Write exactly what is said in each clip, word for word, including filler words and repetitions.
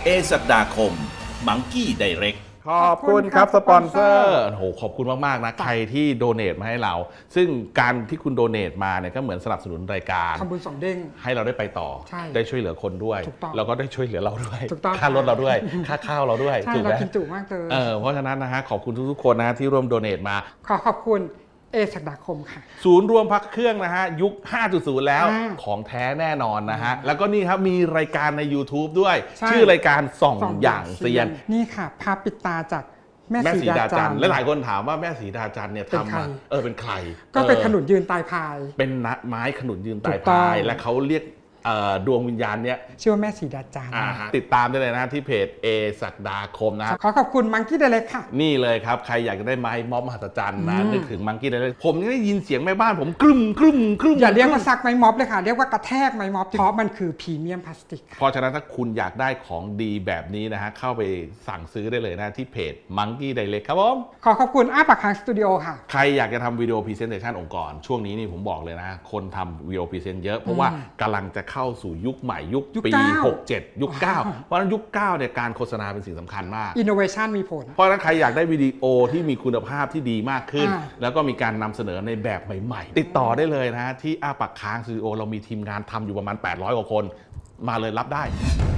เอศักดาคมมังกี้ไดเรกขอบคุณครับสปอนเซอร์โอ้โหขอบคุณมากๆนะใครที่โดเนทมาให้เรา ซึ่งการที่คุณโดเนทมาเนี่ยก็เหมือนสนับสนุนรายการทำบุญสองเด้งให้เราได้ไปต่อได้ช่วยเหลือคนด้วยแล้วก็ได้ช่วยเหลือเราด้วยค่ารถเราด้วยค่าข้าวเราด้วยถูกไหมเรากินจุมากเลยเออเพราะฉะนั้นนะฮะขอบคุณทุกๆคนนะที่ร่วมโดเนทมาขอขอบคุณเอศักดาคมค่ะศูนย์รวมพักเครื่องนะฮะยุค ห้าจุดศูนย์ แล้วของแท้แน่นอนนะฮะแล้วก็นี่ครับมีรายการใน YouTube ด้วยชื่อรายการส่องอย่างเซียนนี่ค่ะภาพปิดตาจากแม่สีดาจันทร์และหลายคนถามว่าแม่สีดาจันทร์เนี่ยทำมาเออเป็นใครก็เป็นขนุนยืนตายพายเป็นไม้ขนุนยืนตายพายและเขาเรียกดวงวิญญาณเนี้ยชื่อว่าแม่สีดาจันทร์ติดตามได้เลยนะที่เพจเอศักดาคมนะขอขอบคุณมังกี้ไดเรกค่ะนี่เลยครับใครอยากจะได้ไม้ม็อบมหัศจรรย์นะนึกถึงมังกี้ไดเรกผมได้ยินเสียงแม่บ้านผมกรึ้มกรึ้มกรึ้มอย่าเรียกว่าซักไม้ม็อบเลยค่ะเรียกว่ากระแทกไม้ม็อบเพราะมันคือพรีเมียมพลาสติกเพราะฉะนั้นถ้าคุณอยากได้ของดีแบบนี้นะฮะเข้าไปสั่งซื้อได้เลยนะที่เพจมังกี้ไดเรกครับผมขอขอบคุณอ้าปากค้างสตูดิโอค่ะใครอยากจะทำวิดีโอพรีเซนเทชันองค์กรช่วงนี้นี่ผมบอกเลยนะคนทำวิดีโอพรีเซนต์เยอะเพราะว่ากำลังจะเข้าสู่ยุคใหม่ยุคปีหกเจ็ดยุคเก้าเพราะฉะนั้นยุคเก้าเนี่ยการโฆษณาเป็นสิ่งสำคัญมาก Innovation มีผลเพราะฉะนั้นใครอยากได้วิดีโอที่มีคุณภาพที่ดีมากขึ้นแล้วก็มีการนำเสนอในแบบใหม่ๆติดต่อได้เลยนะที่อ้าปากค้างสตูดิโอเรามีทีมงานทำอยู่ประมาณแปดร้อยกว่าคนมาเลยรับได้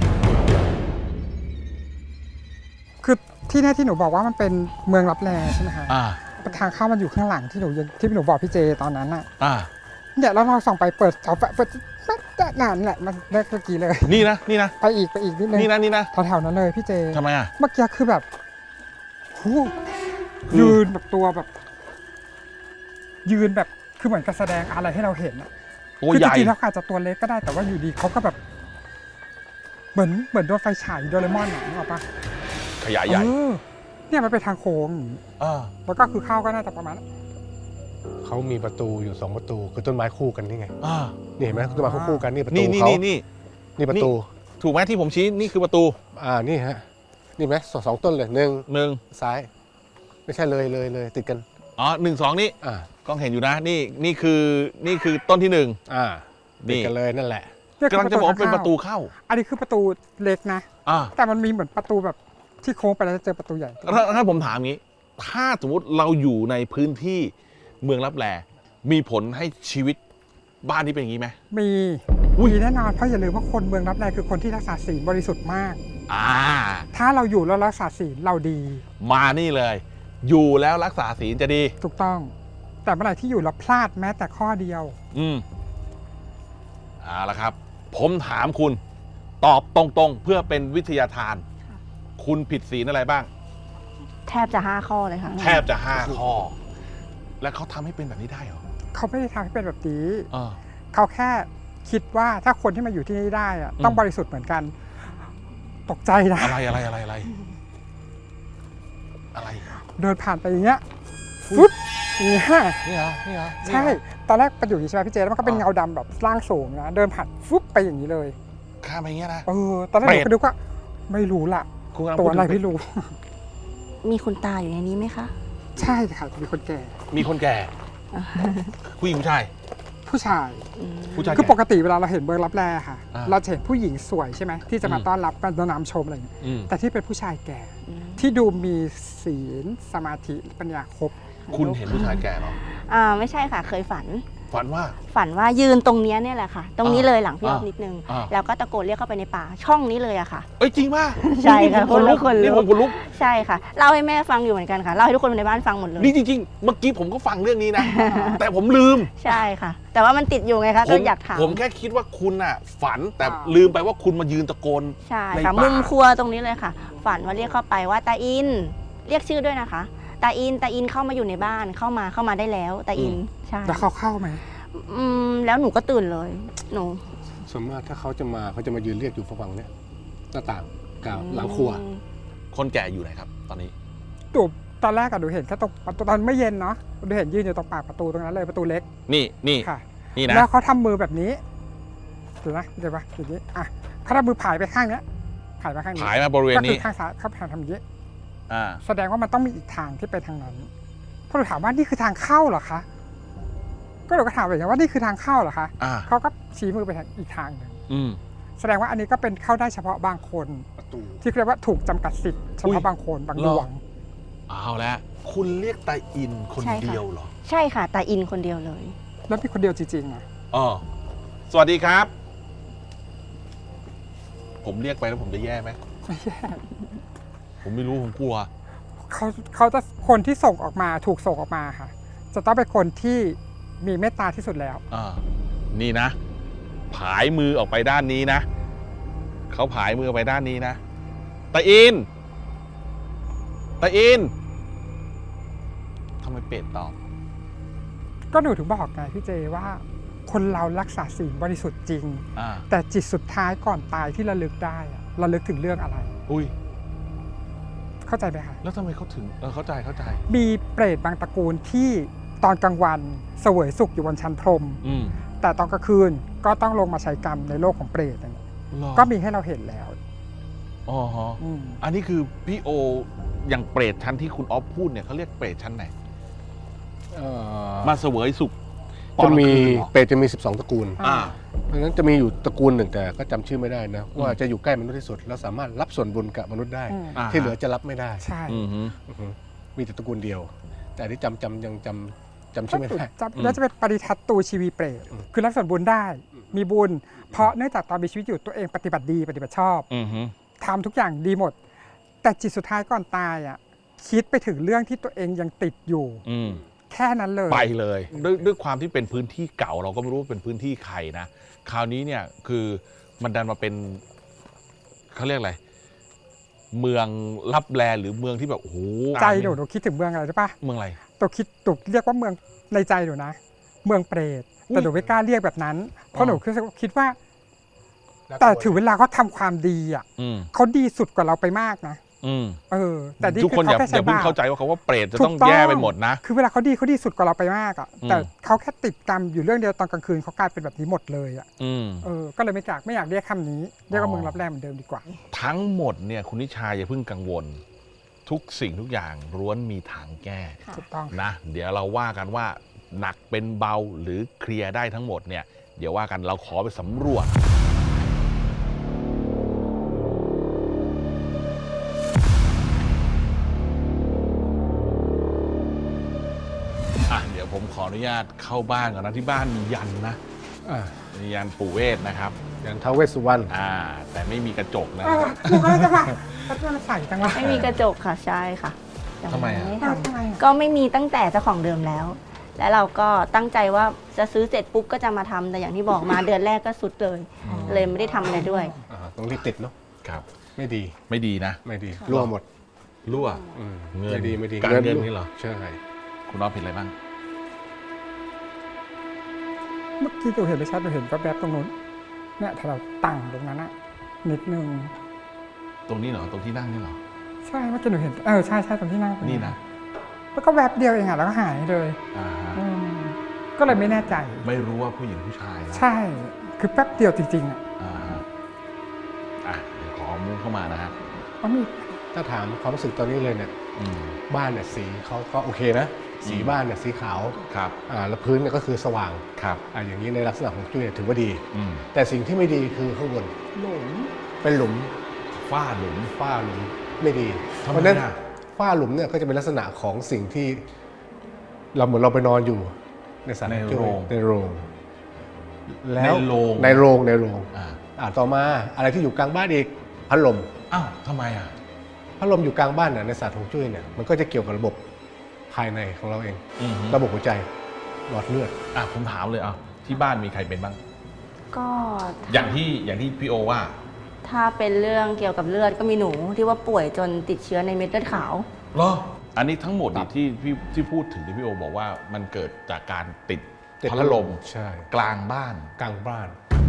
คือที่นี่ที่หนูบอกว่ามันเป็นเมืองลับแลใช่ไหมคะทางเข้ามันอยู่ข้างหลังที่หนูที่หนูบอกพี่เจตอนนั้นอ่ะเนี่ยแล้วเราส่องไปเปิดเสาไฟเปิดนานแหละมันได้เมื่อกี้เลยนี่นะนี่นะไปอีกไปอีกนิดนึงนี่นะนี่นะแถวๆนั้นเลยพี่เจทำไมอ่ะเมื่อกี้คือแบบยืนแบบตัวแบบยืนแบบคือเหมือนกับแสดงอะไรให้เราเห็นอ่ะคือจริงๆแล้วอาจจะตัวเล็กก็ได้แต่ว่าอยู่ดีเขาก็แบบเหมือนเหมือนโดนไฟฉายโดเรมอนอ่ะนึกออกปะขยายใหญ่เนี่ยมันเป็นทางโค้งแล้วก็คือเข้าก็น่าจะประมาณเขามีประตูอยู่สองประตูคือต้นไม้คู่กันนี่ไงนี่เห็นไหมต้นไม้คู่กันนี่ประตูเขานี่นี่นี่นี่ประตูถูกไหมที่ผมชี้นี่คือประตูอ่านี่ฮะนี่ไหมสองสองต้นเลยหนึ่งหนึ่งซ้ายไม่ใช่เลยเลยเลยติดกันอ๋อหนึ่งสองนี่อ่ากล้องเห็นอยู่นะนี่นี่คือนี่คือต้นที่หนึ่งอ่าติดกันเลยนั่นแหละกำลังจะบอกเป็นประตูเข้าอันนี้คือประตูเล็กนะแต่มันมีเหมือนประตูแบบที่โค้งไปแล้วจะเจอประตูใหญ่ถ้าผมถามงี้ถ้าสมมติเราอยู่ในพื้นที่เมืองลับแลมีผลให้ชีวิตบ้านนี้เป็นอย่างนี้ไหมมีมีแน่นอนเพราะอย่าลืมว่าคนเมืองลับแลคือคนที่รักษาศีลบริสุทธิ์มากอ่าถ้าเราอยู่แล้วรักษาศีลเราดีมานี่เลยอยู่แล้วรักษาศีลจะดีถูกต้องแต่เมื่อไหร่ที่อยู่แล้วพลาดแม้แต่ข้อเดียวอืมเอาละครับผมถามคุณตอบตรงๆเพื่อเป็นวิทยาทานคุณผิดศีลอะไรบ้างแทบจะห้าข้อเลยค่ะแทบจะห้าข้อแล้วเขาทำให้เป็นแบบนี้ได้เหรอเขาไม่ได้ทำให้เป็นแบบนี้เขาแค่คิดว่าถ้าคนที่มาอยู่ที่นี่ได้อะต้องบริสุทธิ์เหมือนกันตกใจนะอะไรอะไรอะไรอะไรอะไรเดินผ่านไปอย่างเงี้ยฟุ๊บนี่ฮะนี่เหรอนี่เหรอใช่ตอนแรกไปอยู่ที่ใช่ไหมพี่เจแล้วมันก็เป็นเงาดำแบบร่างสูงนะเดินผ่านฟุ๊บไปอย่างนี้เลยข้ามไปอย่างเงี้ยนะเออตอนแรกผมก็ดูว่าไม่รู้ล่ะตัวอะไรไม่รู้มีคุณตาอยู่ในนี้ไหมคะใช่ค่ะมีคนแก่มีคนแก่ผู้หญิงผู้ชายผู้ชายผู้ชายคือปกติเวลาเราเห็นเมืองลับแลค่ะเราเห็นผู้หญิงสวยใช่ไหมที่จะมาต้อนรับมาต้อนรับชมอะไรอย่างเงี้ยแต่ที่เป็นผู้ชายแก่ที่ดูมีศีลสมาธิปัญญาครบคุณเห็นผู้ชายแก่หรออ่าไม่ใช่ค่ะเคยฝันฝันว่าฝันว่ายืนตรงนี้เนี่ยแหละค่ะตรงนี้เลยหลังพี่อ๊อฟนิดนึงแล้วก็ตะโกนเรียกเข้าไปในป่าช่องนี้เลยอะค่ะเอ้ยจริงป่ะใช่ค่ะคนลุกนี่ผมคนลุกใช่ค่ะเล่าให้แม่ฟังอยู่เหมือนกันค่ะเล่าให้ทุกคนในบ้านฟังหมดเลยนี่จริงๆเมื่อกี้ผมก็ฟังเรื่องนี้นะแต่ผมลืมใช่ค่ะแต่ว่ามันติดอยู่ไงคะก็อยากถามผมแค่คิดว่าคุณอะฝันแต่ลืมไปว่าคุณมายืนตะโกนใช่ค่ะมุมครัวตรงนี้เลยค่ะฝันว่าเรียกเข้าไปว่าตาอินเรียกชื่อด้วยนะคะตาอินตาอินเข้ามาอยู่ในบ้านเข้ามาเข้ามาได้แล้วตาอินใช่แล้วเขาเข้าไหมอืมแล้วหนูก็ตื่นเลยหนูส่วนมากถ้าเขาจะมาเขาจะมายืนเรียกอยู่ฝั่งเนี้ยหน้าต่างกาวหลังครัวคนแก่อยู่ไหนครับตอนนี้ตูบตอนแรกอะดูเห็นแค่ตรงประตูตอนไม่เย็นเนาะดูเห็นยืนอยู่ตรงปากประตูตรงนั้นเลยประตูเล็กนี่นี่ค่ะนี่นะแล้วเขาทำมือแบบนี้ถูกไหมเดี๋ยวปะอย่างนี้อ่ะเขาทำมือผายไปข้างเนี้ยผายมาข้างนี้ผายมาบริเวณนี้ก็คือข้างซ้ายเขาทำอย่างนี้อ่าแสดงว่ามันต้องมีอีกทางที่ไปทางนั้นพอเราถามว่านี่คือทางเข้าเหรอคะก็เราก็ถามแบบนี้ว่านี่คือทางเข้าเหรอคะเขาก็ชี้มือไปทางอีกทางหนึ่งแสดงว่าอันนี้ก็เป็นเข้าได้เฉพาะบางคนประตูที่เรียกว่าถูกจำกัดสิทธิ์เฉอุ๊พาะยบางคนบางเหรดอวงเอาแล้วคุณเรียกตาอินคนใช่ค่ะเดียวเหรอใช่ค่ะตาอินคนเดียวเลยแล้วมีคนเดียวจริงๆอ่ะอ๋อสวัสดีครับ ผมเรียกไปแล้วผมจะแย่ไหมไม่แย่ผมไม่รู้ผมกลัวเขาเขาจะคนที่ส่งออกมาถูกส่งออกมาค่ะ จะต้องเป็นคนที่มีเมตตาที่สุดแล้วอ่า นี่นะ ผายมือออกไปด้านนี้นะ เขาผายมือออกไปด้านนี้นะ ตาอิน ตาอิน ทำไมเป็ดตอบก็หนูถึงบอกไงพี่เจว่า คนเรารักษาศีลบริสุทธิ์จริงอ่าแต่จิตสุดท้ายก่อนตายที่ระลึกได้อะระลึกถึงเรื่องอะไรอุ้ยเข้าใจไหมคะแล้วทำไมเขาถึง เออ เข้าใจ เข้าใจมีเปรตบางตระกูลที่ตอนกลางวันเสวยสุขอยู่บนชั้นพรหมอืมแต่ตอนกลางคืนก็ต้องลงมาใช้กรรมในโลกของเปรตอย่างเงี้ยหรอก็มีให้เราเห็นแล้วอ๋อฮะอืมอันนี้คือพี่โอ อย่างเปรตชั้นที่คุณออฟพูดเนี่ยเขาเรียกเปรตชั้นไหนเอ่อมาเสวยสุขจะมีตอนกลางคืนเหรอเปรตจะมี สิบสอง ตระกูลอ่าเพราะฉะนั้นจะมีอยู่ตระกูลหนึ่งแต่ก็จำชื่อไม่ได้นะ ว่าจะอยู่ใกล้มนุษย์ที่สุด แล้วสามารถรับส่วนบุญกับมนุษย์ได้อืมอ่าที่เหลือจะรับไม่ได้ใช่อือฮึอือฮึมีแต่ตระกูลเดียว แต่อันนี้จำจำยังจำจำชื่อไม่ได้จะแล้วจะเป็นปริทัตตูชีวีเปรตอืมคือรับส่วนบุญได้ มีบุญ เพราะเนื่องจากตอนมีชีวิตอยู่ตัวเองปฏิบัติดีปฏิบัติชอบอือฮึทำทุกอย่างดีหมด แต่จิตสุดท้ายก่อนตายอ่ะคิดไปถึงเรื่องที่ตัวเองยังติดอยู่อืมแค่นั้นเลยไปเลยด้วยด้วยความที่เป็นพื้นที่เก่าเราก็ไม่รู้ว่าเป็นพื้นที่ใครนะ คราวนี้เนี่ยคือมันดันมาเป็นเขาเรียกอะไร เมืองลับแลหรือเมืองที่แบบโอ้โหใจหนูหนูคิดถึงเมืองอะไรรู้ปะเมืองอะไรตัวคิดตุกเรียกว่าเมืองในใจหนูนะ เมืองเปรตแต่หนูไม่กล้าเรียกแบบนั้น เพราะหนูคิดว่า แต่ถือเวลาเขาทำความดีอ่ะอืมเขาดีสุดกว่าเราไปมากนะอืมเออ แต่นี่ทุกคนคืออย่าเขาแค่อใช้ย่าเพิ่งบาปเข้าใจว่าเขาว่าเปรตจะถูกต้องแย่ไปหมดนะคือเวลาเขาดีเขาดีสุดกว่าเราไปมากอ่ะอืมแต่เขาแค่ติดกรรมอยู่เรื่องเดียวตอนกลางคืนเขากลายเป็นแบบนี้หมดเลยอ่ะอืมเออก็เลยไม่อยากไม่อยากเรียกคำนี้เรียกว่าเมืองรับแรงเหมือนเดิมดีกว่าทั้งหมดเนี่ยคุณนิชาอย่าเพิ่งกังวล ทุกสิ่งทุกอย่างล้วนมีทางแก้ค่ะถูกต้องนะเดี๋ยวเราว่ากันว่าหนักเป็นเบาหรือเคลียร์ได้ทั้งหมดเนี่ยเดี๋ยวว่ากันเราขอไปสำรวจ อ่ะเดี๋ยวผมขออนุญาตเข้าบ้านก่อนนะที่บ้านมียันนะอ่ามียันปู่เวทนะครับอย่างท้าวเวสสุวรรณอ่า แต่ไม่มีกระจกนะเออหนูก็เลยจะมาเขาจะมาใส่จังวะไม่มีกระจกค่ะใช่ค่ะแต่ทำไมอะไม่เออททำไมอะำก็ไม่มีตั้งแต่เจ้าของเดิมแล้ว และเราก็ตั้งใจว่าจะซื้อเสร็จปุ๊บก็จะมาทำแต่อย่างที่บอกมา เดือนแรกก็สุดเลย เลยไม่ได้ทำอะไรด้วยอ่าต้องรีบติดเนาะครับไม่ดีไม่ดีนะไม่ดีรั่วหมดรั่วอืมเงินไม่ดีไม่ดีการเงินนี่เหรอใช่คุณน้องผิดอะไรบ้างเมื่อกี้หนูเห็นไม่ชัดหนูเห็นก็แบบตรงนู้นเนี่ยถ้าเราตั้งตรงนั้นอะนิดนึงตรงนี้เหรอ ตรงที่นั่งนี่เหรอใช่เมื่อกี้หนูเห็นเออใช่ใช่ตรงที่นั่งตรงนี่นะแล้วก็แวบเดียวเองอะแล้วก็หายเลยอ่าฮะอืมก็เลยไม่แน่ใจไม่รู้ว่าผู้หญิงผู้ชายนะใช่คือแป๊บเดียวจริงๆอะอ่าฮะอ่ะเดี๋ยวขอมุ้งเข้ามานะฮะก็มีถ้าถามความรู้สึกตอนนี้เลยเนี่ยอืมบ้านเนี่ยสีเขาก็โอเคนะ สีอืมบ้านเนี่ยสีขาวครับอ่าแล้วพื้นเนี่ยก็คือสว่างครับอ่าอย่างนี้ในลักษณะของจุ้ยเนี่ยถือว่าดีอืมแต่สิ่งที่ไม่ดีคือข้างบนหลุมเป็นหลุมฝ้าหลุมฝ้าหลุมไม่ดีทำไมเพราะฉะนั้นอ่ะฝ้าหลุมเนี่ยก็จะเป็นลักษณะของสิ่งที่ เราเหมือนเราไปนอนอยู่ในสถานในจุ้ยโรงในโรงแล้วในโรงในโรงในโรงอ่าอ่าต่อมาอะไรที่อยู่กลางบ้านอีกพัดลมอ้าวทำไมอ่ะพัดลมอยู่กลางบ้านเนี่ยในศาสตร์ฮวงจุ้ยเนี่ยมันก็จะเกี่ยวกับระบบภายในของเราเองอืมฮึระบบหัวใจหลอดเลือดอ่ะผมถามเลยอ่ะที่บ้านมีใครเป็นบ้างก็อย่างที่อย่างที่พี่โอว่าถ้าเป็นเรื่องเกี่ยวกับเลือดก็มีหนูที่ว่าป่วยจนติดเชื้อในเม็ดเลือดขาวเหรอ อันนี้ทั้งหมดนี่ที่พี่ที่พูดถึงที่พี่โอบอกว่ามันเกิดจากการติดติดพัดลมใช่กลางบ้านกลางบ้าน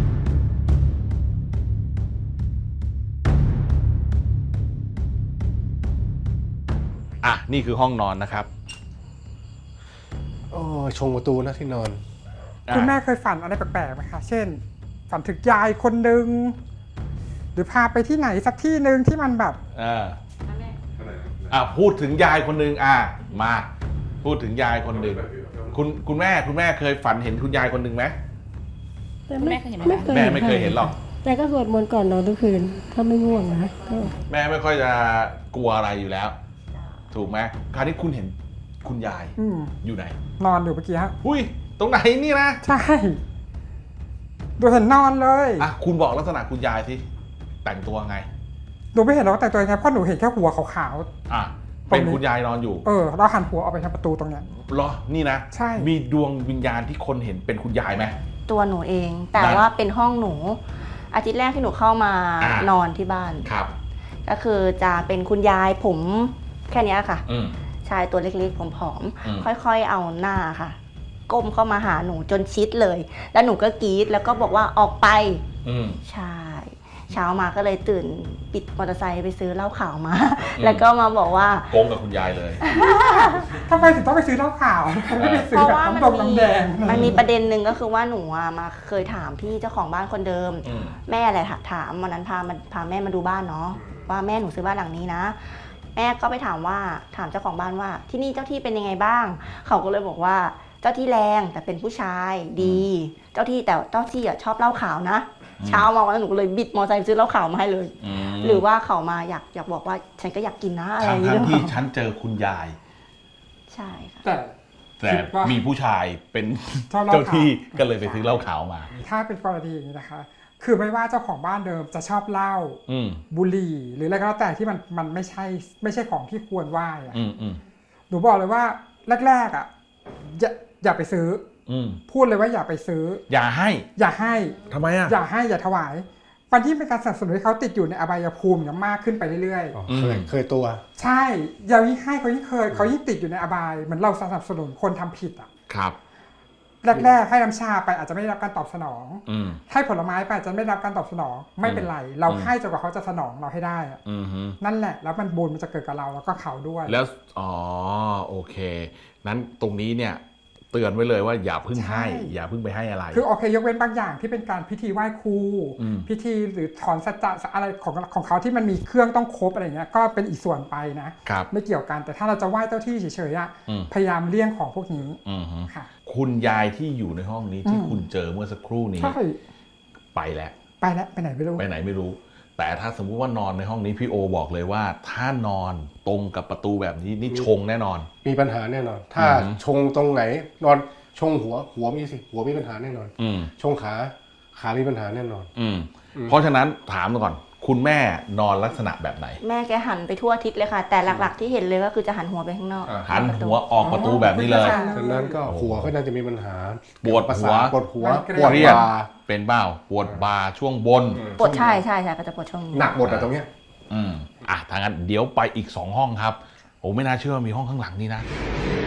อ่ะนี่คือห้องนอนนะครับโอ้ยชงประตูนะที่นอนอ่ะคุณแม่เคยฝันอะไรแปลกๆไหมคะ เช่น ฝันถึงยายคนหนึ่งหรือพาไปที่ไหนสักที่หนึ่งที่มันแบบอ่าอ่ะพูดถึงยายคนหนึ่งอ่ะมา พูดถึงยายคนหนึ่งคุณคุณแม่คุณแม่เคยฝันเห็นคุณยายคนหนึ่งไหมแม่เคยเห็นไหมคะแม่ไม่เคยเห็นหรอกแต่ก็สวดมนต์ก่อนนอนทุกคืนถ้าไม่ง่วงนะก็แม่ไม่ค่อยจะกลัวอะไรอยู่แล้ว ถูกไหมคราวนี้คุณเห็นคุณยายอืมอยู่ไหนนอนอยู่เมื่อกี้ฮะอุ้ยตรงไหนนี่นะใช่ดูเห็นนอนเลยอ่ะคุณบอกลักษณะคุณยายสิแต่งตัวไงหนูไม่เห็นหรอกว่าแต่งตัวยังไงเพราะหนูเห็นแค่หัวขาวอ่ะเป็นคุณยายนอนอยู่ๆเออเราหันหัวออกไปทางประตูตรงเนี้ยเหรอนี่นะใช่มีดวงวิญญาณที่คนเห็นเป็นคุณยายไหมตัวหนูเอง แต่นั่นว่าเป็นห้องหนู อาทิตย์แรกที่หนูเข้ามาอ่านนอนที่บ้านครับก็คือจะเป็นคุณยายผมแค่เนี้ยค่ะอืมชายตัวเล็กๆผอมอืมๆค่อยๆเอาหน้าค่ะ ก้มเข้ามาหาหนูจนชิดเลย แล้วหนูก็กรี๊ดแล้วก็บอกว่าออกไปอืมใช่ เช้ามาก็เลยตื่นปิดมอเตอร์ไซค์ไปซื้อเหล้าขาวมาอืมแล้วก็มาบอกว่าโกงกับคุณยายเลยทำไมถึงต้องไปซื้อเหล้าขาวไม่ไปซื้เพอราะแบบว่าน้ำมัดนงมีน้ำแดงมันมีประเด็นหนึ่งก็คือว่าหนูอะมาเคยถามพี่เจ้าของบ้านคนเดิมอืมแม่อะไรถามวันนั้นพามาพาแม่มาดูบ้านเนาะว่าแม่หนูซื้อบ้านหลังนี้นะ แม่ก็ไปถามว่าถามเจ้าของบ้านว่าที่นี่เจ้าที่เป็นยังไงบ้าง เขาก็เลยบอกว่าเจ้าที่แรงแต่เป็นผู้ชายดี เจ้าที่แต่เจ้าที่อะชอบเหล้าขาวนะ เช้ามาวันนั้นหนูก็เลยบิดมอเตอร์ไซค์ไปซื้อเหล้าขาวมาให้เลยอืมหรือว่าเขามาอยากอยากบอกว่าฉันก็อยากกินนะอะไรอทั้ย่าง งเงี้ทั้ยงที่ฉันเจอคุณยายใช่ค่ะแต่แต่คิดว่ามีผู้ชายเป็นชอบเหล้าขาวเจ้าที่ก็เลยไปซื้อเหล้าขาวมาถ้าเป็นกรณีอย่างนี้นะคะ คือไม่ว่าเจ้าของบ้านเดิมจะชอบเหล้าอืมบุหรี่ หรืออะไรก็แล้วแต่ที่มันมันไม่ใช่ไม่ใช่ของที่ควรไหว้อะอืมอืมหนูบอกเลยว่าแรกๆอ่ะอย่าอย่าไปซื้ออืมพูดเลยว่าอย่าไปซื้ออย่าให้อย่าให้ทำไมอ่ะอย่าให้อย่าถวายวันที่เป็นการสนับสนุนให้เขาติดอยู่ในอบายภูมิอย่างมากขึ้นไปเรื่อยอ๋ออืมเคยเคยตัวๆ ใช่อย่ายิ่งให้เขายิ่งเคยเขายิ่งติดอยู่ในอบายเหมือนเราสนับสนุนคนทำผิดอ่ะครับแรกๆให้น้ำชาไปอาจจะไม่ได้รับการตอบสนองอืมให้ผลไม้ไปอาจจะไม่ได้รับการตอบสนอง ไม่เป็นไร เราอืมให้จนกว่าเขาจะสนองเราให้ได้อะอืมฮึนั่นแหละแล้วมันบุญมันจะเกิดกับเราแล้วก็เขาด้วยแล้ว อ๋อ โอเค นั้นตรงนี้เนี่ย เตือนไว้เลยว่าอย่าเพึ่งให้ใช่อย่าเพึ่งไปให้อะไรคือโอเคยกเว้นบางอย่างที่เป็นการพิธีไหว้ครูอืมพิธีหรือถอนสัจจะอะไรของของเขาที่มันมีเครื่องต้องครบอะไรเงี้ยก็เป็นอีกส่วนไปนะครับไม่เกี่ยวกันแต่ถ้าเราจะไหว้เจ้าที่เฉยๆอะอืมพยายามเลี่ยงของพวกนี้อืมฮึค่ะคุณยายที่อยู่ในห้องนี้ที่อืมคุณเจอเมื่อสักครู่นี้ใช่ไปแล้วไปแล้วไปไหนไม่รู้ไปไหนไม่รู้ แต่ถ้าสมมุติว่านอนในห้องนี้พี่โอบอกเลยว่า ถ้านอนตรงกับประตูแบบนี้นี่ชงแน่นอนมีปัญหาแน่นอน ถ้าอืมชงตรงไหน นอนชงหัวหัวมีสิหัวมีปัญหาแน่นอนอืมชงขาขามีปัญหาแน่นอนอืมอืมเพราะฉะนั้นถามก่อน คุณแม่นอนลักษณะแบบไหนแม่แกหันไปทั่วทิศเลยค่ะ แต่หลักๆที่เห็นเลยก็คือจะหันหัวไปข้างนอกอ่าหันหัวออกประตูแบบนี้เลยอ๋อฉะนั้นก็หัวก็น่าจะมีปัญหาปวดประหัสาว ทปวดหัวมันเกร็งปวดเครียดบ่าเป็นเบ้าปวดบ่าช่วงบนปวดใช่ใช่ใช่ก็จะปวดช่วงนี้หนักหมดอะตรงเนี้ยอืมอ่ะทางนั้นเดี๋ยวไปอีกสองห้องครับผมไม่น่าเชื่อว่ามีห้องข้างหลังนี้นะ